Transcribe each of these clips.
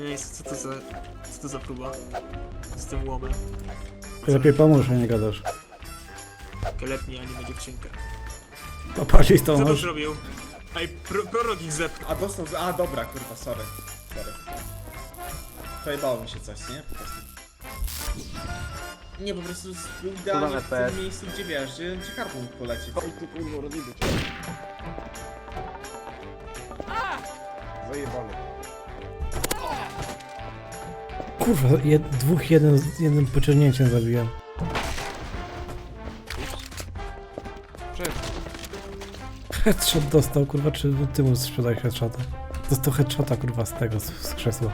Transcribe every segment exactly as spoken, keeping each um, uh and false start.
Ej, co to za... co to za próba? Z tym łomem. Lepiej pomóż, a nie gadasz. Kelepnie anime dziewczynkę. Popatrz to Co to masz. zrobił? Ej, pro, prorok ich zepnął. A dostał z... A dobra, kurwa, sorry. Sorry. Pojebało mi się coś, nie? Po prostu. Nie, po prostu był idealnie w tym miejscu, gdzie wiesz, gdzie, gdzie karpą mógł polecieć. Oj, ty kurwa, rozjebie cię. Zajebany. Kurwa, jed, dwóch jeden, z jednym pociągnięciem zabiłem. Headshot dostał, kurwa, czy ty mu sprzedaj headshota? Dostał headshota, kurwa, z tego, z, z krzesła.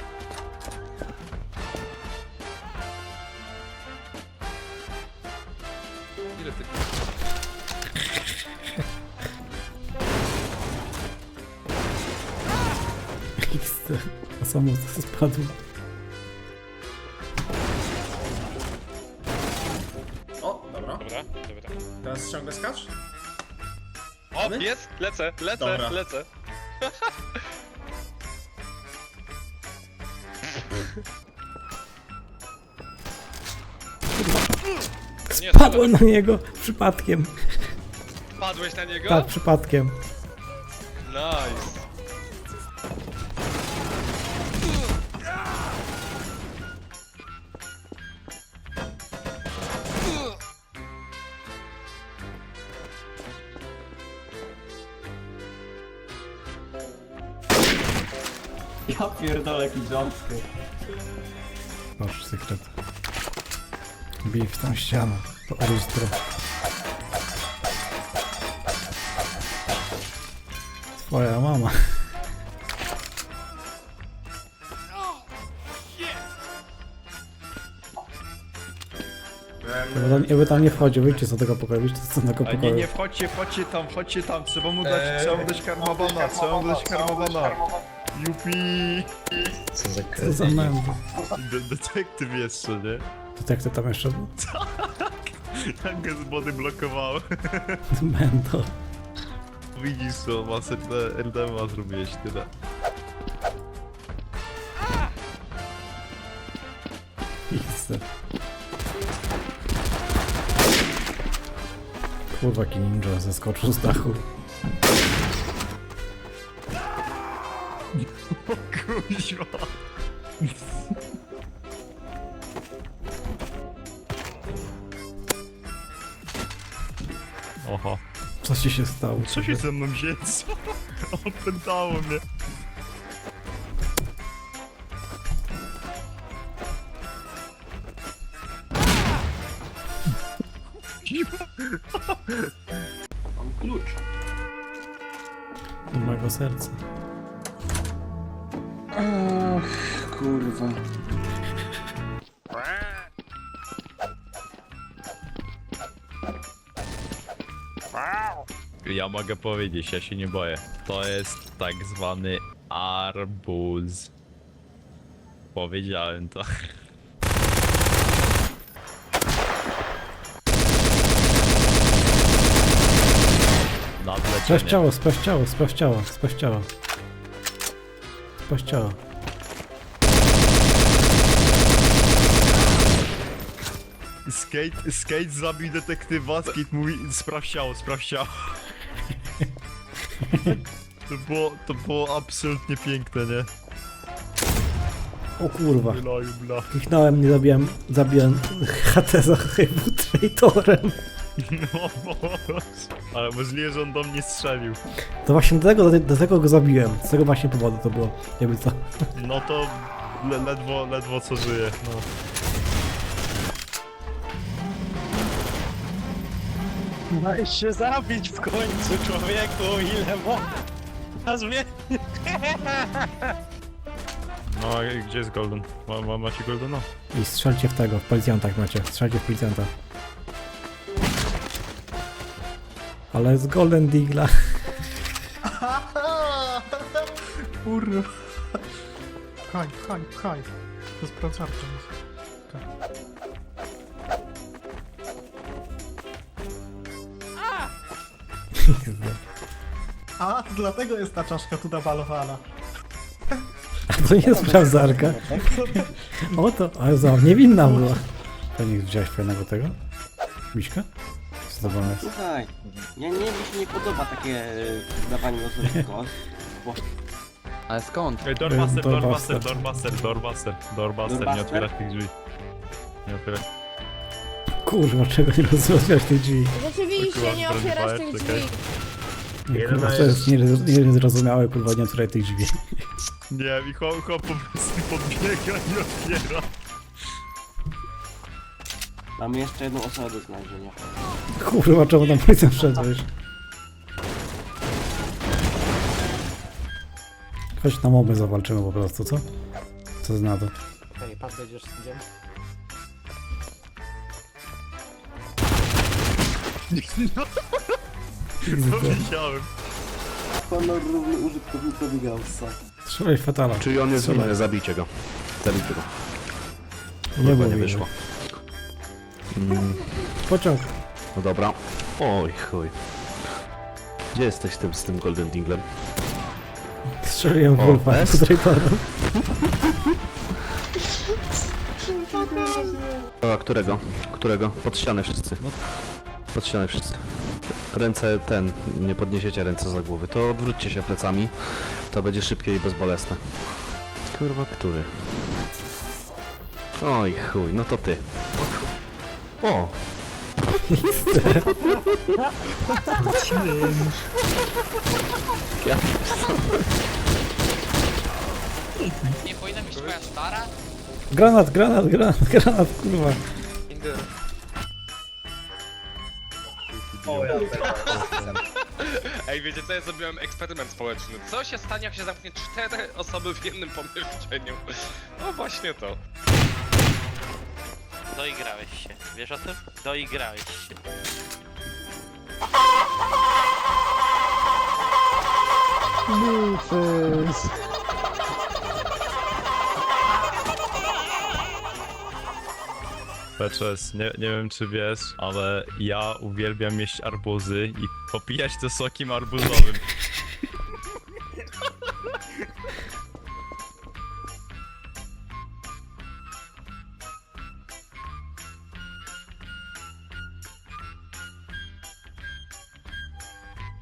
Ile ty? X, a samo spadł. O, dobra. Dobra, dobra. Teraz ciągle skacz? O, My? jest! Lecę, lecę, Dobra. lecę. Nie, Padłem na niego przypadkiem. Padłeś na niego? Tak, przypadkiem. Nice. Ja pierdolę jaki ząbky. Masz sekret. Bij w tą ścianę. To orustro. Twoja mama. Jakby tam, jakby tam nie wchodził, wyjdźcie z tego pokoju, wyjdźcie z tego A nie, pokoju. nie, wchodźcie, wchodźcie tam, wchodźcie tam, trzeba mu dać, trzeba mu dać karmabana, trzeba mu dać karmabana. Jupi! Co za mędy. De detektyw jeszcze, nie? To jak to tam jeszcze był? Tak go z body blokowało. Mendo. Widzisz co, masę R D M A zrobiłeś, tyle. X. Kurwa, jaki ninja zeskoczył z dachu. Kuźwa! Oho. Co ci się stało? Co się ze mną dzieje? Co? Opętało mnie. Mam klucz. Do mojego serca. Ach, kurwa. Ja mogę powiedzieć, ja się nie boję. To jest tak zwany arbuz. Powiedziałem to. Sprawdź Nadlecienie. ciało, sprawdź ciało, sprawdź ciało, sprawdź ciało. Sprawdź ciało. Skate, skate zabił detektywa, skate mówi sprawdź ciało, sprawdź ciało. To było, to było absolutnie piękne, nie? O kurwa. Bla, bla. Kliknąłem, nie zabiłem, zabiłem H T za chybu traitorem. No, ale możliwe, że on do mnie strzelił. To właśnie do tego, do, do tego go zabiłem. Z tego właśnie powodu to było. Jakby co. No to le, ledwo, ledwo co żyje, no. Daj się zabić w końcu, człowieku, ile można zmienić? No, a gdzie jest Golden? Ma, ma, macie Goldena? I strzelcie w tego, w policjantach macie. Strzelcie w policjanta. Ale z Golden Deagla. Kurwa. Pchaj, pchaj, pchaj. To sprawdzarka jest. A, to dlatego jest ta czaszka tu nawalowana. To nie jest sprawdzarka. O to, ale za niewinna była. Pewnie widziałeś fajnego tego? Miśka? Co to było? Słuchaj, ja nie, mi się nie podoba takie e, dawanie losowych kos. Ale skąd? Ej, Dormaster, Dormaster. Dormaster, Dormaster, Dormaster, Dormaster, nie Dormaster? otwierać tych drzwi. Nie otwierać. Kurwa, czego nie rozwiązasz tych drzwi? Rzeczywiście, nie otwierasz tych drzwi. Kurwa, to jest niez- niezrozumiałe, kurwa, nie otwieraj tych drzwi. Nie, i chłop, chłop po prostu podbiega i otwiera. Mamy jeszcze jedną osobę do znalezienia. Kurwa, czemu tam policjant wszedłeś? Chodź na moby zawalczymy po prostu, co? Co zna to? Ej, pan będziesz sędziem? To wiedziałem. Honor równy użytkownikowi Gaussa. Strzelaj fatala. Czyli on jest Strzelaj. winny, zabijcie go. Zabijcie go. Nie, Kurwa, było nie winny. wyszło. Mm, Pociąg. no dobra. Oj chuj. Gdzie jesteś tym, z tym Golden Dinglem? Strzeliłem w O, Wolfa S? z Raytonem. A którego? Którego? Pod ścianę wszyscy. Pod ścianę wszyscy. Ręce ten, nie podniesiecie ręce za głowy, to odwróćcie się plecami. To będzie szybkie i bezbolesne. Kurwa, który? Oj chuj, no to ty. O! Ja Nie powinna być twoja stara? Granat, granat, granat, granat, kurwa. Ej, wiecie co, ja zrobiłem eksperyment społeczny. Co się stanie, jak się zamknie cztery osoby w jednym pomieszczeniu? No właśnie to. Doigrałeś się. Wiesz o tym? Doigrałeś się. Lufus. Peczes, nie, nie wiem czy wiesz, ale ja uwielbiam jeść arbuzy i popijać to sokiem arbuzowym.